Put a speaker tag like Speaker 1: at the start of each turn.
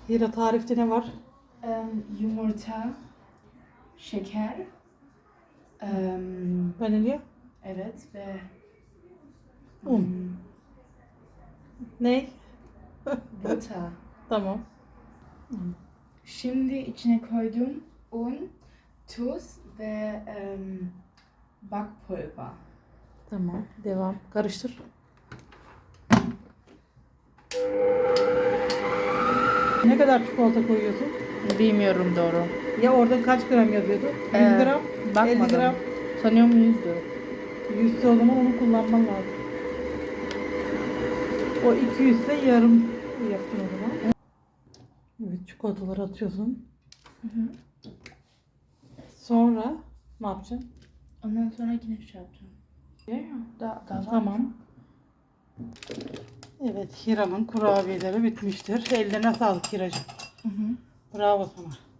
Speaker 1: Hira, tarifte ne var?
Speaker 2: Yumurta, şeker,
Speaker 1: Vanilya,
Speaker 2: evet ve
Speaker 1: un. Ne?
Speaker 2: butter.
Speaker 1: Tamam.
Speaker 2: Şimdi içine koydum un, tuz ve bakpulver.
Speaker 1: Tamam. Devam. Karıştır. Ne kadar çikolata koyuyorsun?
Speaker 2: Bilmiyorum doğru.
Speaker 1: Ya orada kaç gram yazıyordu? 100 gram, 50
Speaker 2: Bakmadım.
Speaker 1: gram.
Speaker 2: Sanıyorum 100'dü.
Speaker 1: 100 o zaman onu kullanman lazım. O 200 ise yarım yaptın o zaman. Evet, çikolataları atıyorsun. Sonra ne yapacaksın?
Speaker 2: Ondan sonra yine şey yapacağım. Daha var.
Speaker 1: Tamam. Evet, Hira'nın kurabiyeleri bitmiştir. Ellerine sağlık Hira'cığım. Bravo sana.